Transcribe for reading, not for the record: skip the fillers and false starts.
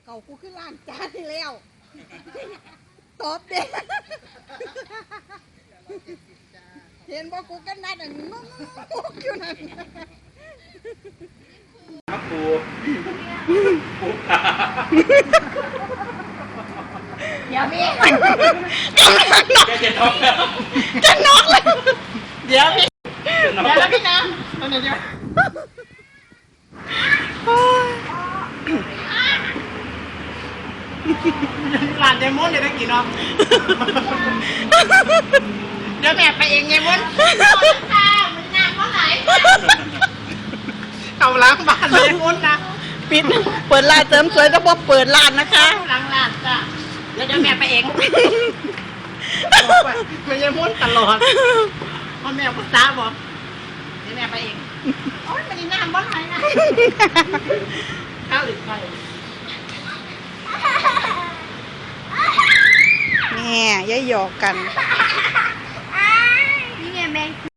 เก่ากูขึ้นล้านจานนี่แล้วตอบเด็กเห็นบอกกูกันนัดงงอยู่นั่นครับปูเดี๋ยวพี่จะน็อกแล้วจะน็อกเลยเดี๋ยวพี่เดี๋ยวแล้วพี่นะตอนนี้เดี๋ยวหลานยายมดเดี๋ยวได้กี่น้องเดี๋ยวแม่ไปเองยายมดค่ะมันนานเท่าไหร่เอาล้างบ้านยายมดนะปิดเปิดร้านเสริมสวยก็พอเปิดร้านนะคะล้างร้านจ้ะแล้วเดี๋ยวแม่ไปเองมันยายมดตลอดพ่อแม่ภาษาบอกเดี๋ยวแม่ไปเองโอ๊ยมันนานบ้านไหนนะข้าวหรือไฟแม่ย่าหยอกกันนี่ไงแม่